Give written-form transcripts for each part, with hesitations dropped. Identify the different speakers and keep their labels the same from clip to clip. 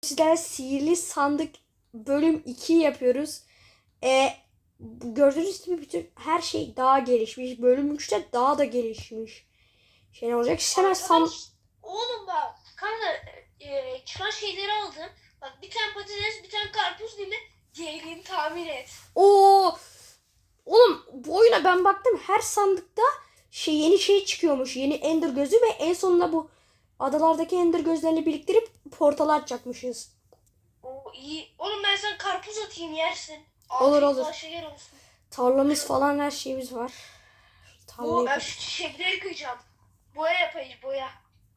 Speaker 1: sizlerle sihirli sandık bölüm 2 yapıyoruz. Gördüğünüz gibi bütün her şey daha gelişmiş. Bölüm 3'te daha da gelişmiş. Şey ne olacak? Hemen
Speaker 2: Oğlum bak kanka çıkan şeyleri aldım. Bak bir tane patates, bir tane karpuz değil mi? Diğerini tamir et.
Speaker 1: Oo! Oğlum bu oyuna ben baktım, her sandıkta yeni şey çıkıyormuş. Yeni Ender gözü ve en sonunda bu adalardaki Ender gözlerini biriktirip portal açacakmışız.
Speaker 2: Oo iyi. Oğlum ben sana karpuz atayım yersin.
Speaker 1: Olur,
Speaker 2: Afiyet
Speaker 1: olur.
Speaker 2: şeker olsun.
Speaker 1: Tarlamız falan, her şeyimiz var.
Speaker 2: Bu
Speaker 1: Tarlayı
Speaker 2: şu çiçekleri kıyacağım. Boya yapayım boya.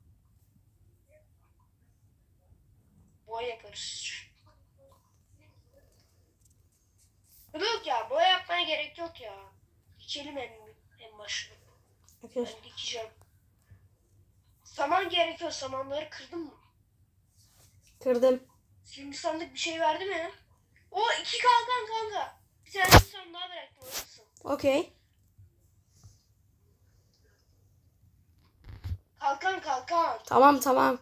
Speaker 2: Boya yaparız. Yok ya boya yapmaya gerek yok ya. Dikelim en başına. Ben dikeceğim. Saman gerekiyor. Samanları kırdın mı?
Speaker 1: kırdım.
Speaker 2: Şimdi sandık bir şey verdi mi? O 2 kalkan kanka. Bir tane sandığa bıraktım orası.
Speaker 1: Okey.
Speaker 2: Kalkan.
Speaker 1: Tamam, tamam.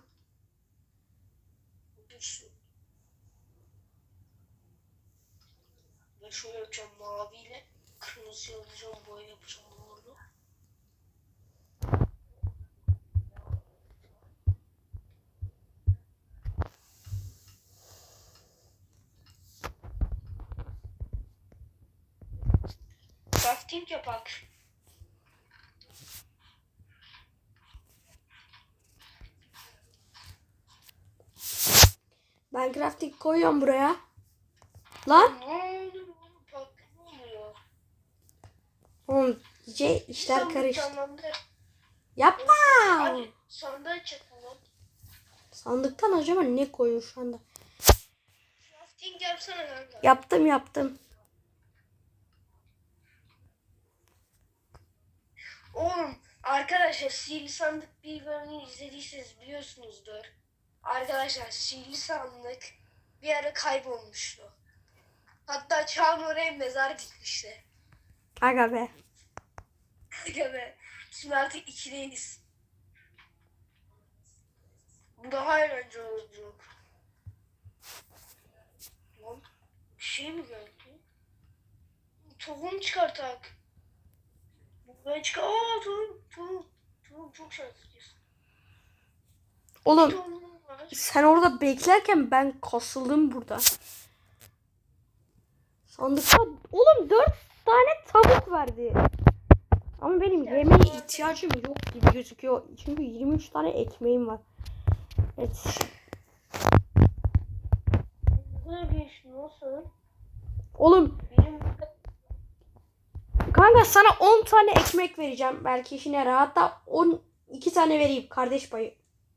Speaker 2: Ben şöyle yapacağım maviyle. Kırmızı alacağım boya yapacağım bunu. Crafting yapak.
Speaker 1: Ben crafting koyuyorum buraya. Lan.
Speaker 2: Ne oluyor? Bak ne oluyor?
Speaker 1: Oğlum iyice işler
Speaker 2: Sandık
Speaker 1: karıştı.
Speaker 2: canlandı.
Speaker 1: Yapma.
Speaker 2: Hadi sandığa çakın lan.
Speaker 1: Sandıktan acaba ne koyuyor şu anda?
Speaker 2: Crafting yapsana kanka.
Speaker 1: Yaptım.
Speaker 2: Oğlum arkadaşlar sihirli sandık bir bölümünü izlediyseniz biliyorsunuzdur. Arkadaşlar sihirli sandık bir ara kaybolmuştu. Hatta Çağan oraya mezar dikmişti.
Speaker 1: Aga be.
Speaker 2: Aga be. Şimdi artık ikideyiz. Bu daha eğlenceli olacak. Lan bir şey mi geldi? Tohum çıkartak. Ben çıkar. Aa tohum çok şanslıyız.
Speaker 1: Oğlum
Speaker 2: Tohumum var.
Speaker 1: sen orada beklerken ben kasıldım burada. Sandıkta oğlum 4 tane tavuk verdi. Ama benim yemeğe ihtiyacım yok gibi gözüküyor. Çünkü 23 tane ekmeğim var. Evet.
Speaker 2: Ne bir nasıl?
Speaker 1: Oğlum
Speaker 2: Benim
Speaker 1: kanka sana 10 tane ekmek vereceğim. Belki işine yarar. Hatta 12 tane vereyim kardeş payı.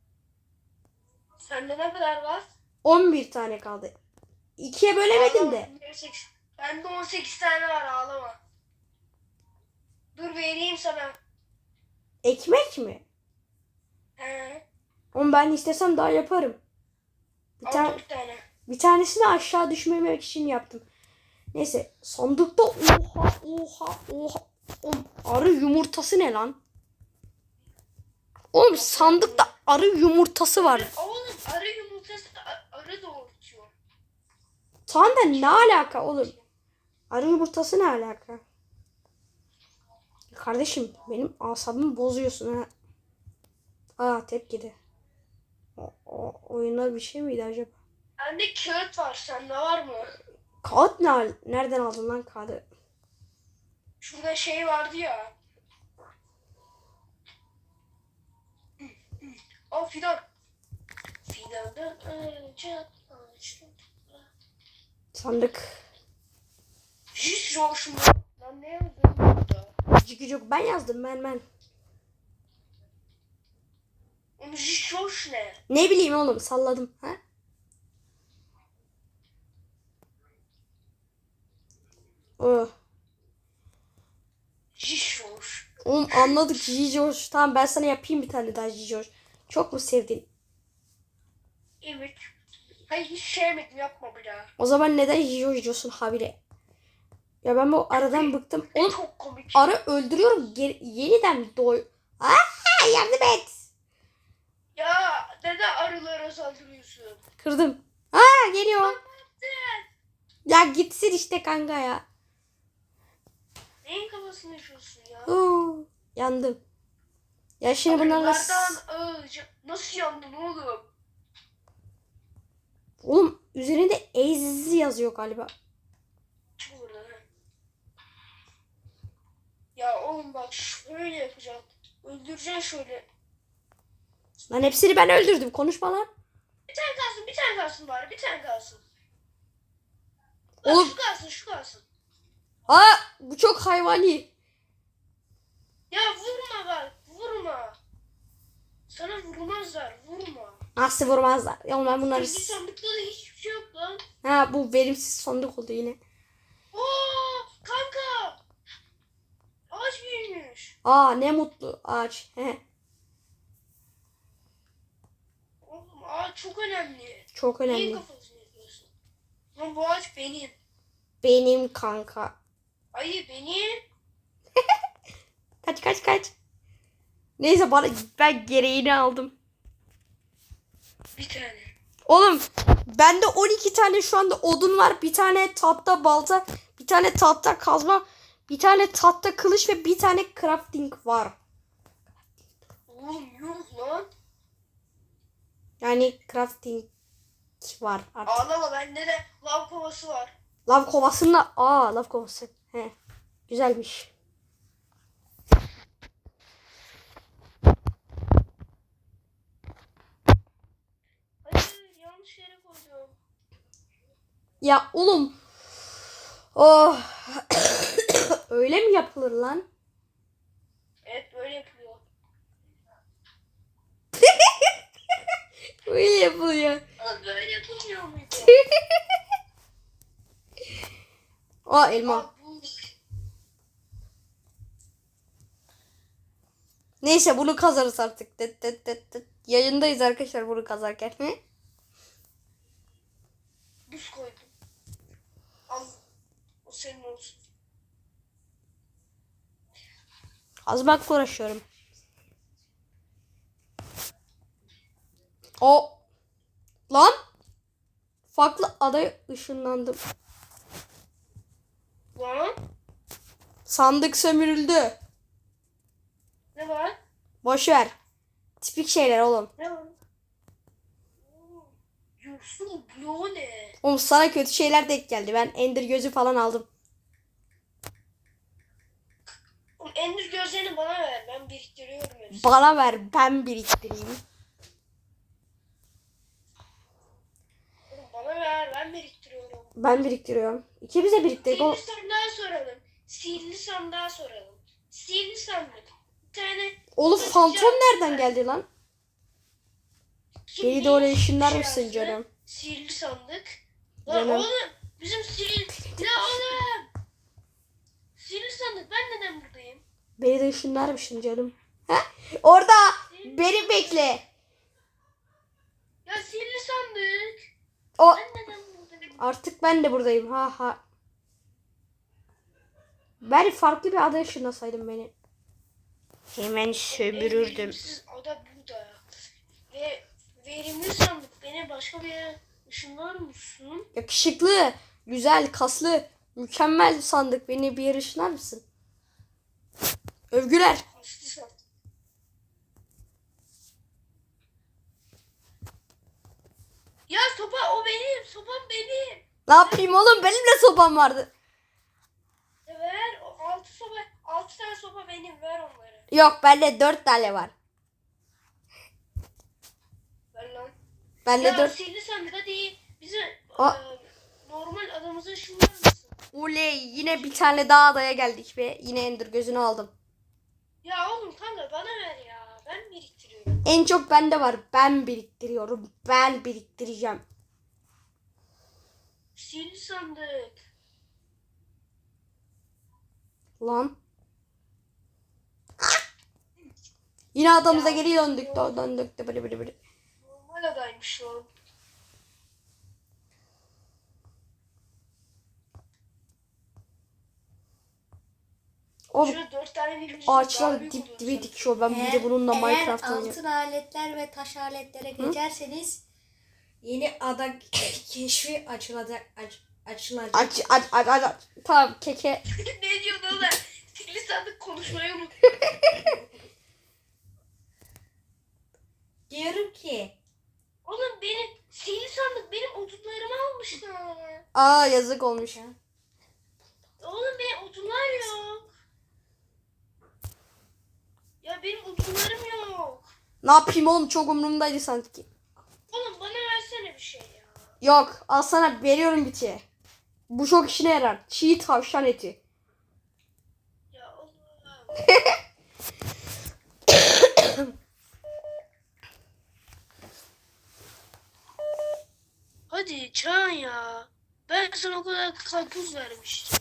Speaker 2: sende ne kadar var?
Speaker 1: 11 tane kaldı. 2'ye bölemedim de.
Speaker 2: Bende 18 tane var ağlama. Dur vereyim sana.
Speaker 1: Ekmek mi?
Speaker 2: He.
Speaker 1: Oğlum ben istesem daha yaparım.
Speaker 2: Al 4 tane.
Speaker 1: Bir tanesini aşağı düşmemek için yaptım. Neyse sandıkta oha. Oğlum, arı yumurtası ne lan? Oğlum sandıkta arı yumurtası var.
Speaker 2: Oğlum arı yumurtası arı doğurtuyor.
Speaker 1: Tamam da ne alaka oğlum? Arı yumurtası ne alaka? Kardeşim benim asabımı bozuyorsun ha. Aa tepkide. O oyunlar bir şey miydi acaba?
Speaker 2: Bende kağıt var. Sende var mı?
Speaker 1: Kağıt ne? Nereden aldın lan kağıdı?
Speaker 2: Şurada şey vardı ya. O fidan. Fidandan önce ağaçtan.
Speaker 1: Sandık.
Speaker 2: Hiç hoşuma. Lan ne yazdın burada?
Speaker 1: Cıkıcık ben yazdım ben.
Speaker 2: Onun hiç hoş ne?
Speaker 1: Ne bileyim oğlum salladım ha? Oh.
Speaker 2: Hiç hoş.
Speaker 1: Oğlum anladık Jijoş. Tamam ben sana yapayım bir tane daha Jijoş. Çok mu sevdin?
Speaker 2: Evet. Hayır hiç sevmedim yapma bir daha.
Speaker 1: O zaman neden Jijoş diyorsun habire? Ya ben bu aradan bıktım. Oğlum
Speaker 2: Çok komik.
Speaker 1: arı öldürüyorum. Yeniden Aa, yardım et.
Speaker 2: Ya neden arılara saldırıyorsun?
Speaker 1: Kırdım. Geliyor. Ya gitsin işte kanka ya.
Speaker 2: Neyin kafasını yaşıyorsun ya?
Speaker 1: Yandım. Ya şimdi bunlarla...
Speaker 2: Nasıl yandın oğlum?
Speaker 1: Oğlum üzerinde Ez yazıyor galiba.
Speaker 2: Çık buradan ha. Ya oğlum bak şöyle yapacağım. Öldüreceksin şöyle.
Speaker 1: Lan hepsini ben öldürdüm. Konuşma lan.
Speaker 2: Bir tane kalsın bari, bir tane kalsın. Bak,
Speaker 1: Oğlum.
Speaker 2: şu kalsın.
Speaker 1: Bu çok hayvani.
Speaker 2: Ya vurma bak, vurma. Sana vurmazlar, vurma.
Speaker 1: Nasıl vurmazlar? Ya oğlum ben bunları...
Speaker 2: Bir sandıkta da hiçbir şey yok lan.
Speaker 1: Bu verimsiz sandık oldu yine.
Speaker 2: Oo, kanka. Ağaç büyümüş.
Speaker 1: Ne mutlu ağaç.
Speaker 2: Oğlum ağaç çok önemli.
Speaker 1: Çok
Speaker 2: Niye
Speaker 1: önemli.
Speaker 2: kafasını yapıyorsun? Lan bu ağaç benim.
Speaker 1: Benim kanka.
Speaker 2: Ayı benim.
Speaker 1: Kaç. Neyse ben gereğini aldım.
Speaker 2: Bir tane.
Speaker 1: Oğlum bende 12 tane şu anda odun var. Bir tane tahta balta, bir tane tahta kazma, bir tane tahta kılıç ve bir tane crafting var.
Speaker 2: Oğlum yok lan.
Speaker 1: Yani crafting var artık.
Speaker 2: Ağlama, bende de lav kovası var.
Speaker 1: Lav kovasında lav kovası. Güzelmiş.
Speaker 2: Hayır, yanlış yere koydum.
Speaker 1: Ya oğlum. Oh. Öyle mi yapılır lan?
Speaker 2: Evet, böyle yapılıyor.
Speaker 1: Öyle yapılıyor.
Speaker 2: Ama böyle yapılmıyor muydu?
Speaker 1: Elma.
Speaker 2: Aa, bu.
Speaker 1: Neyse bunu kazarız artık. Tıt. Yayındayız arkadaşlar bunu kazarken.
Speaker 2: Buz koydum. Al. O senin olsun.
Speaker 1: Kazmakla uğraşıyorum. Lan. Farklı adaya ışınlandım.
Speaker 2: Lan.
Speaker 1: Sandık sömürüldü.
Speaker 2: Ne var?
Speaker 1: Boş ver. Tipik şeyler oğlum.
Speaker 2: Ne var? Yosun bloğu ne?
Speaker 1: Oğlum sana kötü şeyler denk geldi. Ben Ender gözü falan aldım.
Speaker 2: Oğlum Ender gözlerini bana ver. Ben biriktiriyorum hepsini.
Speaker 1: Bana ver ben biriktireyim.
Speaker 2: Oğlum bana ver. Ben biriktiriyorum.
Speaker 1: Ben biriktiriyorum. İkimiz de biriktirdik.
Speaker 2: Sihirli sandığa soralım. Sihirli sandığa soralım. Sihirli sandık. Bir tane...
Speaker 1: Oğlum
Speaker 2: Bakacağım.
Speaker 1: fantom nereden geldi lan?
Speaker 2: Kim
Speaker 1: Beni de
Speaker 2: ne
Speaker 1: oraya
Speaker 2: iş
Speaker 1: ışınlar
Speaker 2: şey
Speaker 1: mısın
Speaker 2: yazdı?
Speaker 1: canım?
Speaker 2: Sihirli sandık. Lan
Speaker 1: Canım.
Speaker 2: oğlum. Bizim sihirli... Ya oğlum. Sihirli sandık. Ben neden buradayım?
Speaker 1: Beni de ışınlar mısın canım? Orada beni bekle.
Speaker 2: Ya sihirli sandık.
Speaker 1: O
Speaker 2: Ben neden buradayım?
Speaker 1: artık ben de buradayım. Ha. Ben farklı bir adaya ışınlasaydım beni. Hemen sömürürdüm.
Speaker 2: Verimsiz ada burada. Ve verimli sandık. Beni başka bir yere ışınlar mısın?
Speaker 1: Yakışıklı, güzel, kaslı, mükemmel sandık. Beni bir yere ışınlar mısın? Övgüler.
Speaker 2: Hasta sandık. Ya sopa o benim. Sopam benim.
Speaker 1: Ne yapayım oğlum? Benim de sopam vardı.
Speaker 2: Ver. O 6 tane sopa benim. Ver onları.
Speaker 1: Yok bende 4 tane var.
Speaker 2: Ver lan.
Speaker 1: Bende
Speaker 2: Ya
Speaker 1: 4.
Speaker 2: sihirli sandık hadi. Bize
Speaker 1: Aa.
Speaker 2: normal adamıza ışınlar mısın?
Speaker 1: Oley yine bir tane daha adaya geldik ve yine Ender gözünü aldım.
Speaker 2: Ya oğlum kanka bana ver ya. Ben biriktiriyorum.
Speaker 1: En çok bende var. Ben biriktiriyorum. Ben biriktireceğim.
Speaker 2: Sihirli sandık.
Speaker 1: Lan. Yine adamıza
Speaker 2: Ya,
Speaker 1: geri döndük. Döndük. Bıdı.
Speaker 2: Normal adaymış lan.
Speaker 1: Oğlum
Speaker 2: Şöyle 4 tane birbirimiz
Speaker 1: ağaçlar dip dibe dikiyor. Ben bir de bununla Minecraft
Speaker 3: Eğer
Speaker 1: oynuyorum.
Speaker 3: altın aletler ve taş aletlere geçerseniz Yeni ada keşfi açılacak. Açılacak.
Speaker 1: Aç. Tamam keke.
Speaker 2: Ne diyorsun oğlum? Sihirli sandık konuşmayı unut.
Speaker 3: Diyorum ki
Speaker 2: Oğlum benim sihirli sandık benim odunlarımı almışlar.
Speaker 1: Aa yazık olmuş.
Speaker 2: Oğlum benim odunlar yok. Ya benim odunlarım yok.
Speaker 1: Ne yapayım oğlum, çok umurumdaydı sanki.
Speaker 2: Oğlum bana versene bir şey ya.
Speaker 1: Yok, al sana veriyorum bitiye. Bu çok işine yarar. Çiğ tavşan eti.
Speaker 2: Ya Allah'ım. Hadi Çağan ya. Ben sana o kadar karpuz vermiştim.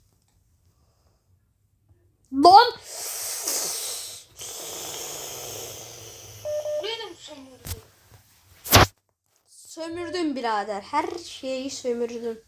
Speaker 1: Lan!
Speaker 2: Buraya da mı sömürdün?
Speaker 1: Sömürdüm birader. Her şeyi sömürdüm.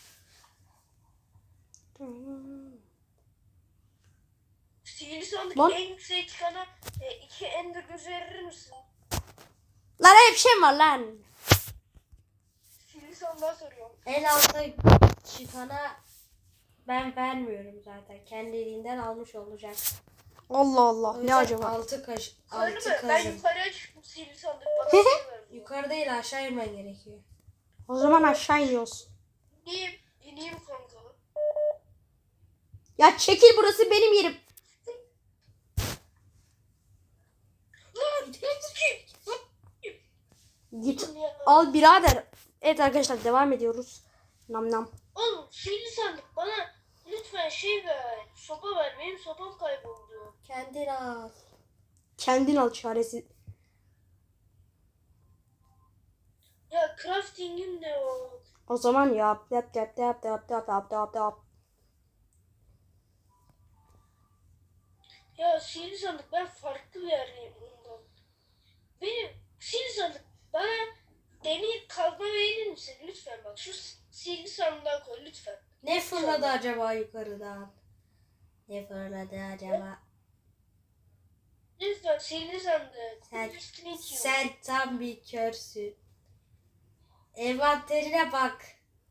Speaker 2: Sihirli sandık
Speaker 1: Lan.
Speaker 2: en yükseğe çıkana 2 ender gözü verir misin?
Speaker 1: Lan hep şey var lan.
Speaker 2: Sihirli sandığa soruyorum.
Speaker 3: en alta çıkana ben vermiyorum zaten. Kendiliğinden almış olacak.
Speaker 1: Allah Allah.
Speaker 3: O
Speaker 1: Ne
Speaker 3: yüzden
Speaker 1: acaba?
Speaker 3: Altı
Speaker 2: Yukarı mı? Ben
Speaker 3: kazın.
Speaker 2: yukarıya çıktım sihirli sandık bana şey ver.
Speaker 3: Yukarı değil aşağı inmen gerekiyor.
Speaker 1: O zaman aşağı iniyoruz.
Speaker 2: İneyim kanka.
Speaker 1: Ya çekil, burası benim yerim.
Speaker 2: Lan
Speaker 1: Git
Speaker 2: ya.
Speaker 1: al birader. Evet arkadaşlar, devam ediyoruz. Nam nam.
Speaker 2: Oğlum sihirli sandık bana lütfen şey ver. Sopa ver. Benim sopam kayboldu.
Speaker 3: Kendin al.
Speaker 1: Kendin al çaresi.
Speaker 2: Ya crafting'im de yok.
Speaker 1: O zaman yap.
Speaker 2: Ya sihirli sandık ben farklı bir yerdeyim bundan. Benim sihirli sandık bana demir kazma verir misin? Lütfen bak şu sihirli sandığa koy lütfen.
Speaker 3: Ne fırladı acaba yukarıdan? Ne fırladı acaba?
Speaker 2: Lütfen sihirli sandık.
Speaker 3: Sen,
Speaker 2: Üstüne itiyor.
Speaker 3: sen tam bir körsün. Envanterine bak.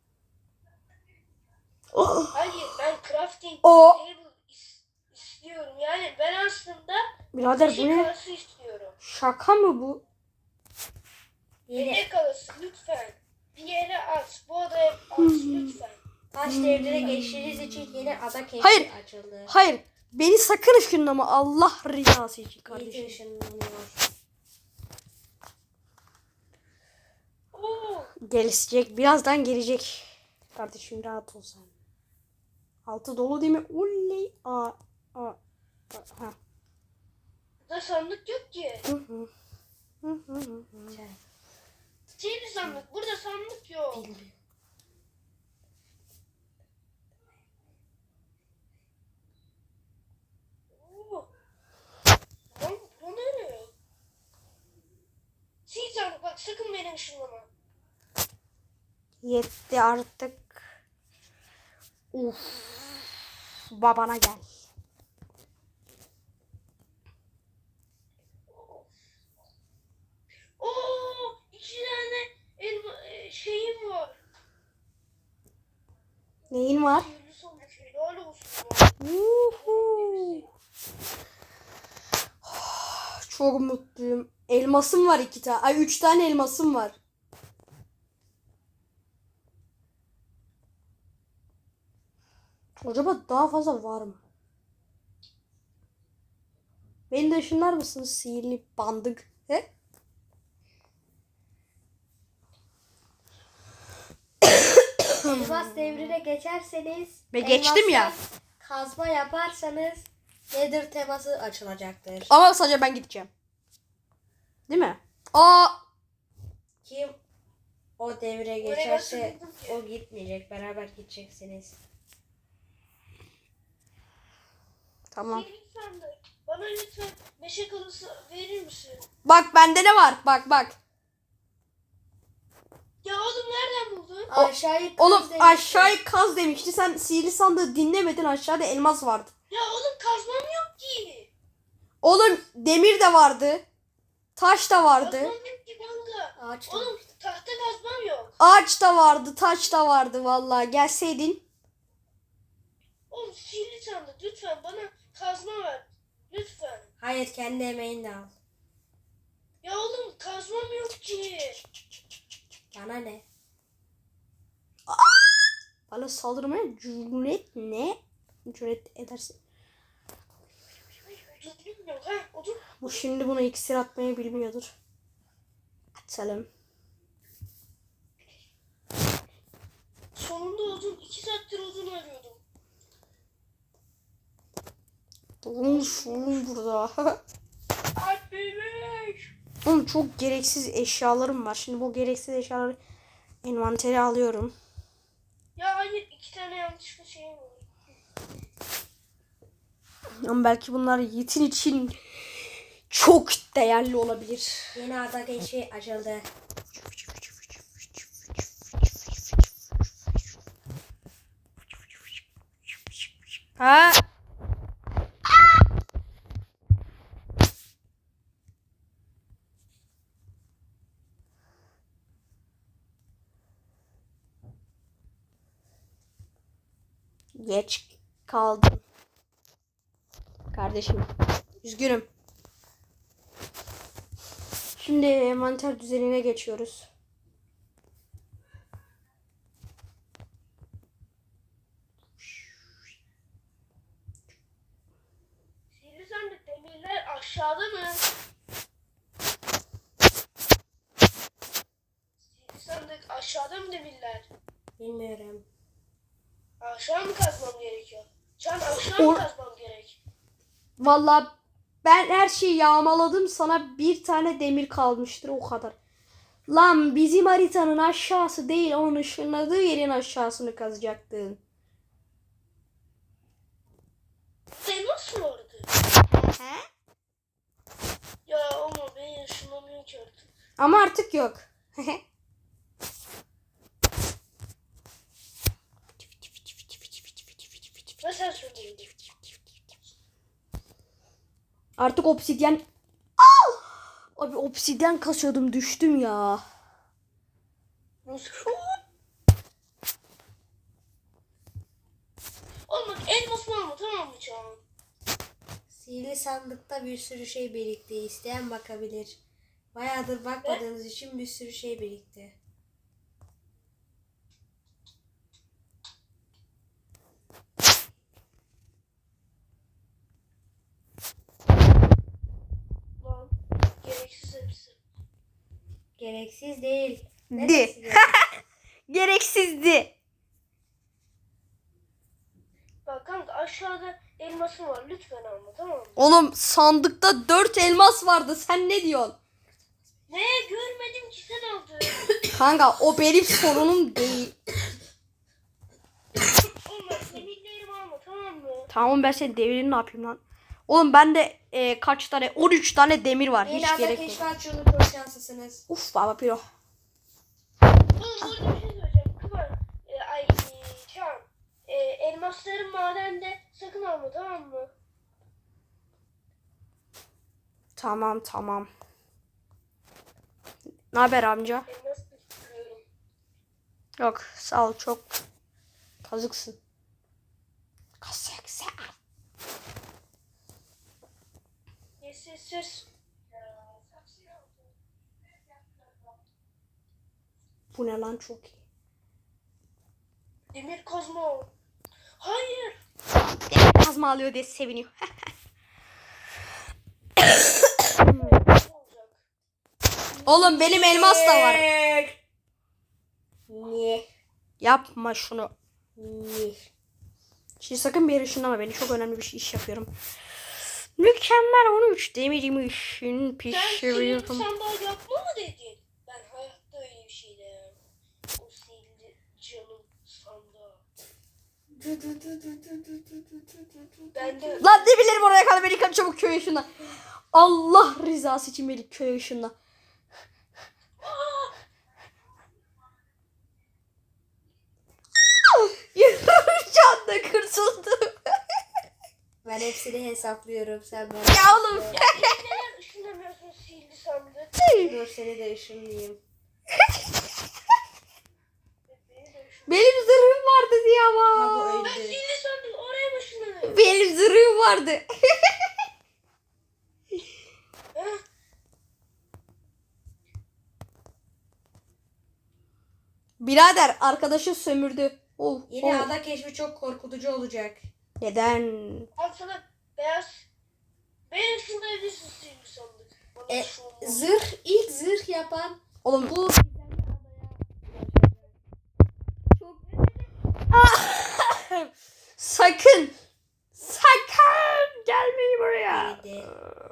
Speaker 2: Hayır ben crafting
Speaker 1: O-
Speaker 2: table istiyorum. Yani ben aslında
Speaker 1: Birader bu
Speaker 2: şey
Speaker 1: ne?
Speaker 2: kalası istiyorum.
Speaker 1: Şaka mı bu?
Speaker 3: Yeni
Speaker 2: Ne kalası lütfen. Bir yere at. Bu odaya at lütfen.
Speaker 3: taş devrine geçtiğiniz için yeni ada keşfi
Speaker 1: Hayır.
Speaker 3: açıldı.
Speaker 1: Hayır. Beni sakın ışınlama. Allah rızası için
Speaker 3: İyi
Speaker 1: kardeşim.
Speaker 3: ışınlanıyor.
Speaker 2: Oo.
Speaker 1: Gelecek. Birazdan gelecek. Kardeşim rahat ol sen. Altı dolu değil mi? Oley. Ha.
Speaker 2: Burada sandık yok ki.
Speaker 3: Sen
Speaker 2: Sihirli sandık. Burada sandık yok.
Speaker 3: bilmiyorum.
Speaker 2: Oo. Lan bu ne? Sihirli sandık bak sakın beni ışınlama.
Speaker 1: Yetti artık. Uf. Babana gel.
Speaker 2: Oo, 2 tane şeyim var.
Speaker 1: Neyin var?
Speaker 2: Sihirli sandık helal olsun. Ya.
Speaker 1: Uhu. Çok mutluyum. Elmasım var 2 tane. Ay 3 tane elmasım var. Acaba daha fazla var mı? Beni de ışınlar mısın sihirli bandık? He?
Speaker 3: Elmas devrine geçerseniz
Speaker 1: Ve geçtim ya.
Speaker 3: elmastan kazma yaparsanız Nether teması açılacaktır.
Speaker 1: Ama sadece ben gideceğim. Değil mi? Aa,
Speaker 3: Kim o devre
Speaker 2: Oraya
Speaker 3: geçerse
Speaker 2: nasıl buldun ki?
Speaker 3: o gitmeyecek. Beraber gideceksiniz.
Speaker 1: tamam.
Speaker 2: Sihirli sandık. Bana lütfen meşe kalası verir misin?
Speaker 1: Bak bende ne var? Bak.
Speaker 2: Ya oğlum nereden buldun?
Speaker 3: Aşağıyı kaz
Speaker 1: Oğlum
Speaker 3: demiştim.
Speaker 1: aşağıyı kaz demişti. Sen sihirli sandığı dinlemedin. Aşağıda elmas vardı.
Speaker 2: Ya oğlum kazmam yok ki.
Speaker 1: Oğlum demir de vardı. Taş da vardı.
Speaker 2: Kazmam yok ki kanka.
Speaker 3: Ağaç
Speaker 2: Oğlum
Speaker 3: demiştim.
Speaker 2: tahta kazmam yok.
Speaker 1: Ağaç da vardı, taş da vardı vallahi. Gelseydin.
Speaker 2: Oğlum sihirli sandık lütfen bana kazma ver. Lütfen.
Speaker 3: Hayır, kendi emeğinle al.
Speaker 2: Ya oğlum kazmam yok ki.
Speaker 3: Bana ne?
Speaker 1: Bana saldırmaya cüret edersin.
Speaker 2: Odun yok ha odun.
Speaker 1: Bu şimdi buna iksir atmayı bilmiyordur. Atalım.
Speaker 2: Sonunda odun. 2 saattir odun arıyordum.
Speaker 1: Oğlum burada.
Speaker 2: Alp bebek.
Speaker 1: Oğlum çok gereksiz eşyalarım var. Şimdi bu gereksiz eşyaları envantere alıyorum.
Speaker 2: Ya hayır 2 tane yanlışlıkla şey var.
Speaker 1: Ama belki bunlar Yiğit'in için çok değerli olabilir.
Speaker 3: Yeni ada geçi açıldı.
Speaker 1: Ha? Geç kaldım. Kardeşim. Üzgünüm. Şimdi envanter düzenine geçiyoruz.
Speaker 2: Sihirli sandık demirler aşağıda mı? Sihirli sandık aşağıda mı demirler?
Speaker 3: Bilmiyorum.
Speaker 2: Aşağı mı kazmam gerekiyor? Can aşağı mı kazmam gerek?
Speaker 1: Vallahi ben her şeyi yağmaladım. Sana bir tane demir kalmıştır o kadar. Lan bizim haritanın aşağısı değil, onun ışınladığı yerin aşağısını kazacaktın.
Speaker 2: Elmas mı vardı? Ya ama ben yaşamamıyorum ki artık.
Speaker 1: Ama artık yok.
Speaker 2: Ve sen söyledin.
Speaker 1: Artık obsidyen... Abi obsidyen kasıyordum, düştüm ya.
Speaker 2: Olmadı elmas var mı tamam mı Can?
Speaker 3: Sihirli sandıkta bir sürü şey birikti. İsteyen bakabilir. Bayağıdır bakmadığınız için bir sürü şey birikti.
Speaker 2: Lan gereksiz hepsi.
Speaker 3: Gereksiz değil.
Speaker 1: Di.
Speaker 3: Neresi gereksiz?
Speaker 1: Gereksizdi.
Speaker 2: Bak kanka aşağıda elmasım var lütfen alma tamam mı?
Speaker 1: Oğlum sandıkta 4 elmas vardı. Sen ne diyorsun?
Speaker 2: Ne görmedim ki sen aldın.
Speaker 1: Kanka o benim sorunum değil.
Speaker 2: Olmaz demirlerimi alma tamam mı?
Speaker 1: Tamam, ben senin devirini ne yapayım lan? Oğlum bende kaç tane? 13 tane demir var.
Speaker 3: Yeni
Speaker 1: Hiç
Speaker 3: ada
Speaker 1: gerek yok.
Speaker 3: keşfi açıldı. Çok şanslısınız.
Speaker 1: Uf baba piro.
Speaker 2: Oğlum burada bir şey söyleyeceğim. Kıvan. Can. Elmasların madende sakın alma tamam mı?
Speaker 1: Tamam. Ne haber amca?
Speaker 2: Elmas istiyorum.
Speaker 1: Yok sağ ol, çok kazıksın. Kazıksın.
Speaker 2: Yes.
Speaker 1: Bu ne lan, çok iyi.
Speaker 2: Demir kazma. Hayır.
Speaker 1: Demir kazma alıyor diye seviniyor.
Speaker 2: Olacak.
Speaker 1: Oğlum benim elmas da var.
Speaker 3: Niye?
Speaker 1: Yapma şunu.
Speaker 3: Niye?
Speaker 1: Şimdi sakın bir yere ışınlama, beni çok önemli bir iş yapıyorum. Mükemmel 13 demirimi işin
Speaker 2: Sen
Speaker 1: pişiriyorum.
Speaker 2: sihirli sandığı yapma mı dedin? Ben hayatta öyle bir şey demem. O sihirli canım sandığı. Ben de
Speaker 1: Lan ne bilirim oraya kadar, beni kaç çabuk köy ışınla. Allah rızası için beni köy ışınla. Can da kurtuldu.
Speaker 3: Ben hepsini hesaplıyorum. Sen bana.
Speaker 1: Ya oğlum.
Speaker 2: neden ışınlamıyorsun sihirli sandığı?
Speaker 3: Dur seni de ışınlayayım.
Speaker 1: Benim zırhım vardı diye
Speaker 3: Ha, bu
Speaker 1: ama.
Speaker 2: Ben
Speaker 3: öldü.
Speaker 2: sihirli sandık oraya başlanıyorum.
Speaker 1: Benim zırhım vardı. Birader arkadaşı sömürdü. Oh,
Speaker 3: Yeni
Speaker 1: oh.
Speaker 3: ada keşfi çok korkutucu olacak.
Speaker 1: Neden?
Speaker 2: Al sana beyaz. Benim şurada evlisin sihirli sandık. Bana
Speaker 3: E,
Speaker 2: şu olmaz.
Speaker 3: ilk zırh yapan
Speaker 1: Oğlum
Speaker 3: bu
Speaker 1: sakın. Sakın gelmeyin buraya.
Speaker 3: neydi?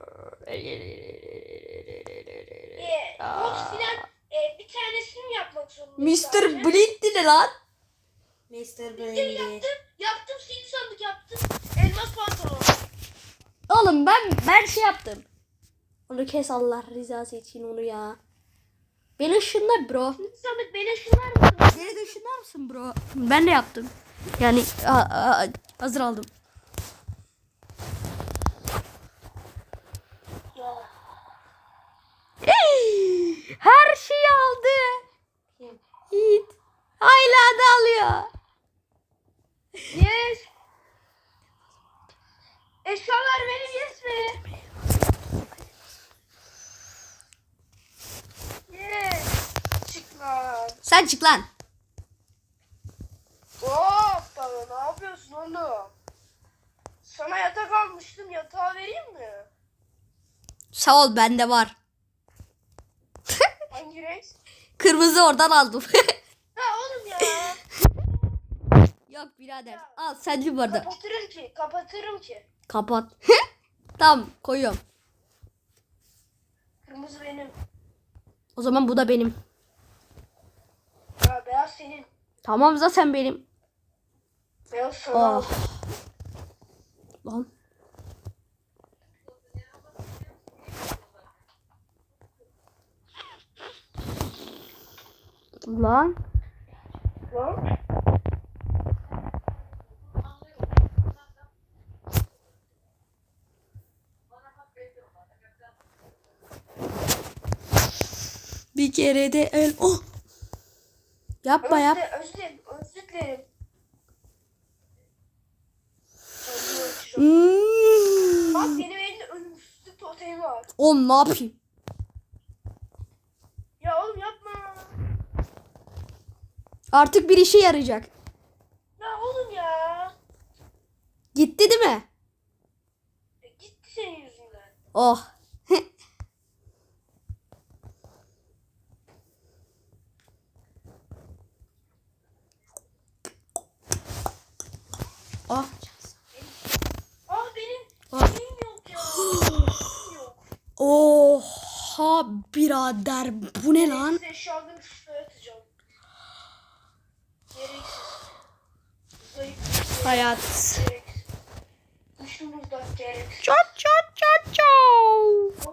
Speaker 2: Box filan bir tanesini mi yapmak zorundayız?
Speaker 1: Mr. Blint'ti ne lan?
Speaker 3: Mr. Brandy.
Speaker 2: Yaptım sihirli sandık yaptım. Elmas pantolon.
Speaker 1: Oğlum ben şey yaptım. Onu kes Allah rızası için onu ya. Beni ışınla bro.
Speaker 2: Sihirli sandık beni ışınlar mısın?
Speaker 1: Beni de ışınlar mısın bro? Ben de yaptım. Yani hazır aldım.
Speaker 2: Ya.
Speaker 1: Her şeyi aldı. Yiğit. Hala da alıyor.
Speaker 2: Yes. Eşyalar benim yes mi? Yes. Çık lan.
Speaker 1: Sen çık lan.
Speaker 2: Hoppa ne yapıyorsun oğlum? Sana yatak almıştım, yatağı vereyim mi?
Speaker 1: Sağ ol bende var.
Speaker 2: Hangi renk?
Speaker 1: Kırmızı oradan aldım.
Speaker 2: Ha oğlum ya.
Speaker 1: Yok birader. Al sen bu arada.
Speaker 2: Kapatırım ki.
Speaker 1: Kapat. Tamam koyuyorum.
Speaker 2: Kırmızı benim.
Speaker 1: O zaman bu da benim.
Speaker 2: Ya beyaz senin.
Speaker 1: Tamam zaten benim.
Speaker 2: Beyaz sana.
Speaker 1: Oh. Lan. Lan.
Speaker 2: Lan.
Speaker 1: Bir kere de el. Oh. Yapma yap.
Speaker 2: Özür dilerim. Bak
Speaker 1: Hmm.
Speaker 2: benim elimde ölümsüzlük totemi var.
Speaker 1: Oğlum ne yapayım?
Speaker 2: Ya oğlum yapma.
Speaker 1: Artık bir işe yarayacak.
Speaker 2: Ya oğlum ya.
Speaker 1: Gitti değil mi?
Speaker 2: Gitti senin yüzünden.
Speaker 1: Oh. Oh.
Speaker 2: Benim
Speaker 1: Ah.
Speaker 2: şeyim yok ya. Şeyim yok.
Speaker 1: Oha birader bu ne lan?
Speaker 2: Size eşyalarını şuraya atacağım. Gereksiz. Zayıf.
Speaker 1: Hayat.
Speaker 2: Gereksiz. Kuşumuzda gereksiz.
Speaker 1: Çat çat çat çat.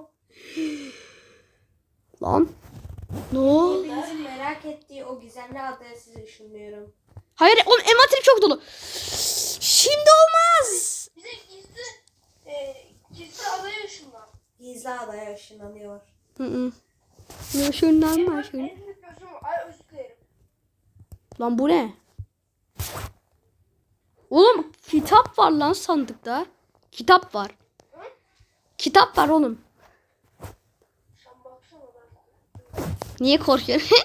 Speaker 1: Lan. Ne oldu?
Speaker 3: Hepinizin merak ettiği o gizemli adaya sizi ışınlıyorum.
Speaker 1: Hayır oğlum envanterim çok dolu. Şimdi olmaz.
Speaker 2: Bize gizli adaya ışınlan.
Speaker 3: Gizli adaya ışınlanıyor.
Speaker 1: Şundan mı
Speaker 2: Benim
Speaker 1: şun?
Speaker 2: en büyük gözüm var. Ay özür dilerim.
Speaker 1: Lan bu ne? Oğlum kitap var lan sandıkta. Kitap var.
Speaker 2: Hı?
Speaker 1: Kitap var oğlum.
Speaker 2: Sen baksana ben.
Speaker 1: Niye korkuyorsun?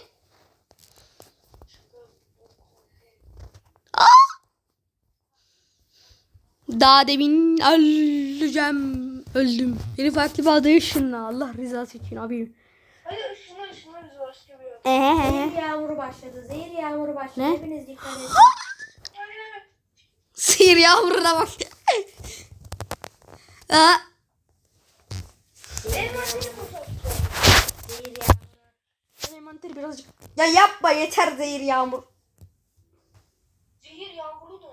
Speaker 1: Daha demin öleceğim. Öldüm. Beni farklı bir adaya ışınla. Allah rızası için abim.
Speaker 2: Hadi ışınla biz başka bir yer.
Speaker 3: Zehir yağmuru başladı. Zehir yağmuru başladı.
Speaker 1: Ne?
Speaker 3: Hepiniz dikkat edin.
Speaker 2: Hadi.
Speaker 1: Sihir yavruna bak. Aa,
Speaker 2: Elmasını boşaltacağım.
Speaker 3: Zehir yağmuru.
Speaker 1: envanteri birazcık. Ya yapma yeter zehir yağmur.
Speaker 2: Zehir yağmuru da.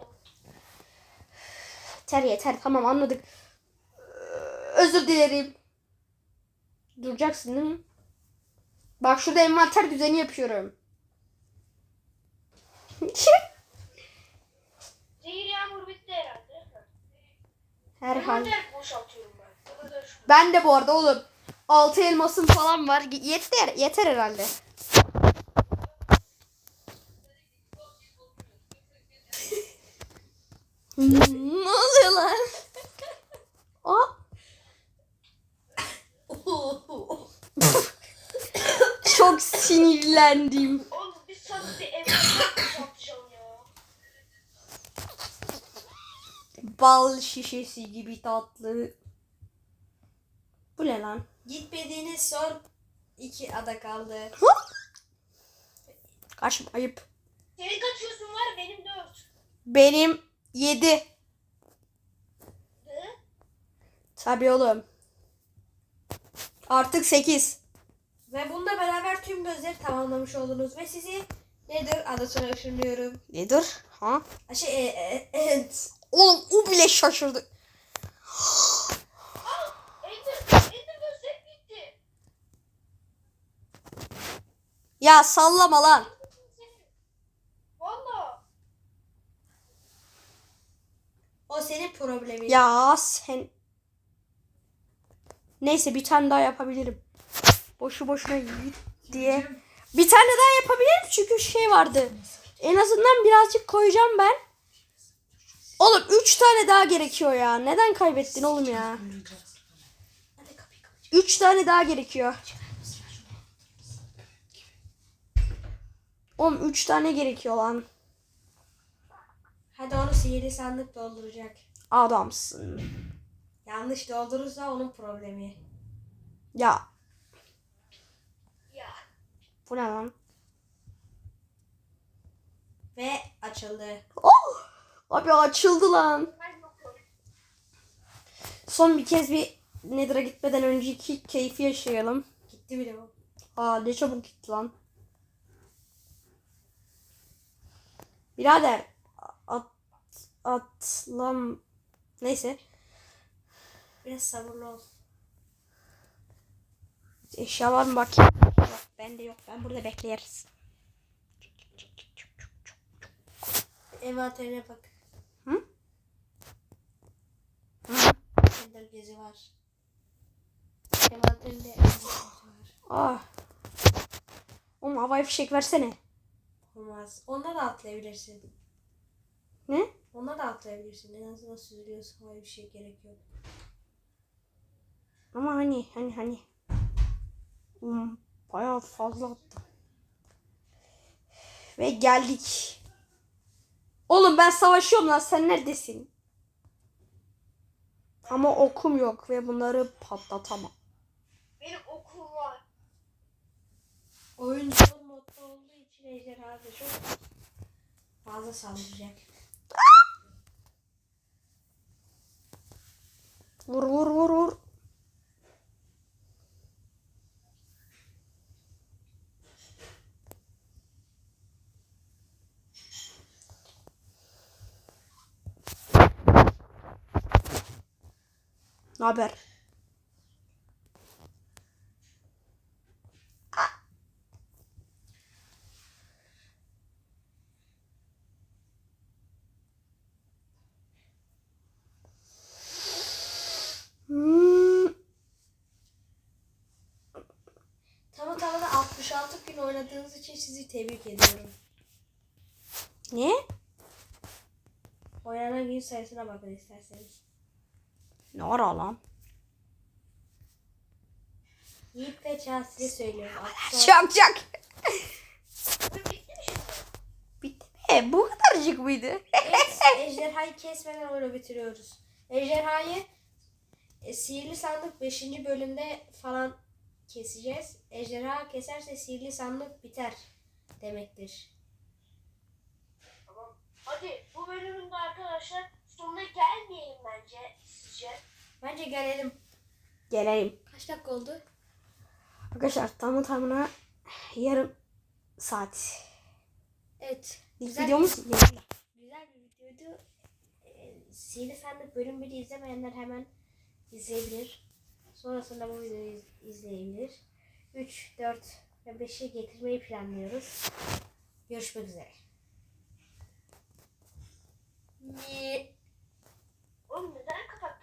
Speaker 1: Yeter tamam anladık. Özür dilerim. Duracaksın değil mi? Bak şurada envanter düzeni yapıyorum.
Speaker 2: Zehir yağmuru bitti herhalde.
Speaker 1: Herhal.
Speaker 2: Envanter boşaltıyorum ben. O kadar şu.
Speaker 1: Ben de bu arada oğlum 6 elmasım falan var. Yeter herhalde. Ne oluyor lan? Aa, çok sinirlendim.
Speaker 2: Oğlum biz sana bir evlat satacağım ya.
Speaker 1: Bal şişesi gibi tatlı. Bu ne lan?
Speaker 3: Gitmediğiniz son 2 ada kaldı.
Speaker 1: Kaçma, ayıp.
Speaker 2: Senin kaçıyorsun var benim 4.
Speaker 1: Benim 7.
Speaker 2: Ne?
Speaker 1: Tabii oğlum. Artık 8.
Speaker 3: Ve bununla beraber tüm gözleri tamamlamış oldunuz. Ve sizi nedir adasına ışınlıyorum.
Speaker 1: Nedir? Ha?
Speaker 3: Evet.
Speaker 1: Oğlum o bile şaşırdı.
Speaker 2: Ender gözlerim gitti.
Speaker 1: Ya sallama lan.
Speaker 2: Valla.
Speaker 3: O senin problemin.
Speaker 1: Ya sen. Neyse bir tane daha yapabilirim. Boşu boşuna git diye. Bir tane daha yapabilirim çünkü şey vardı. En azından birazcık koyacağım ben. Oğlum 3 tane daha gerekiyor ya. Neden kaybettin oğlum ya? 3 tane daha gerekiyor. Oğlum 3 tane gerekiyor lan.
Speaker 3: Hadi onu sihirli sandık dolduracak.
Speaker 1: Adamsın.
Speaker 3: Yanlış doldurursa onun problemi.
Speaker 1: Ya
Speaker 2: Ya.
Speaker 1: bu ne lan?
Speaker 3: Ve açıldı.
Speaker 1: Oh! Abi açıldı lan.
Speaker 2: Ben yokum.
Speaker 1: Son bir kez bir Nether'a gitmeden önceki keyfi yaşayalım.
Speaker 3: Gitti bile o.
Speaker 1: Aa ne çabuk gitti lan. Birader atlam neyse
Speaker 3: Biraz sabırlı ol.
Speaker 1: eşya var mı bakayım. Yok bende yok, ben burada bekleriz.
Speaker 3: Envanterine bak.
Speaker 1: Hı?
Speaker 3: Ender gezi var. Envanterinde ender gezi var.
Speaker 1: Ah. Oğlum havai fişek versene.
Speaker 3: Olmaz. Onda da atlayabilirsin.
Speaker 1: Ne?
Speaker 3: Onda da atlayabilirsin. En azından süzülüyorsun. Havaya bir şey gerek yok.
Speaker 1: Ama hani. Bayağı fazla attı. Ve geldik. Oğlum ben savaşıyorum lan, sen neredesin? Ama okum yok ve bunları patlatamam.
Speaker 2: Benim okum var.
Speaker 3: Oyun zor modda olduğu için ejderha da çok fazla saldıracak.
Speaker 1: Vur. Ne haber?
Speaker 3: Tamına 66 gün oynadığınız için sizi tebrik ediyorum.
Speaker 1: Ne?
Speaker 3: Oynanan gün sayısına bakın isterseniz.
Speaker 1: Ne ara lan?
Speaker 3: Yiğit ve Çağ size söylüyorum. 66
Speaker 1: Çak.
Speaker 2: Bitti mi şimdi?
Speaker 1: Bitti mi? Bu kadarcık mıydı?
Speaker 3: Evet, ejderhayı kesmeden oyunu bitiriyoruz. Ejderhayı sihirli sandık 5. bölümde falan keseceğiz. Ejderha keserse sihirli sandık biter demektir.
Speaker 2: Tamam. Hadi bu bölümün de arkadaşlar sonuna gelmeyelim bence sizce.
Speaker 3: Bence gelelim.
Speaker 1: Gelelim.
Speaker 3: Kaç dakika oldu?
Speaker 1: Arkadaşlar tamına yarım saat.
Speaker 3: Evet.
Speaker 1: İlk
Speaker 3: Güzel
Speaker 1: videomuz
Speaker 3: güzel bir videoydu. Sihirli sandık bölüm 1'i izlemeyenler hemen izleyebilir. Sonrasında bu videoyu izleyebilir. 3, 4 ve 5'i getirmeyi planlıyoruz. Görüşmek üzere.
Speaker 2: Oğlum neden kapattın?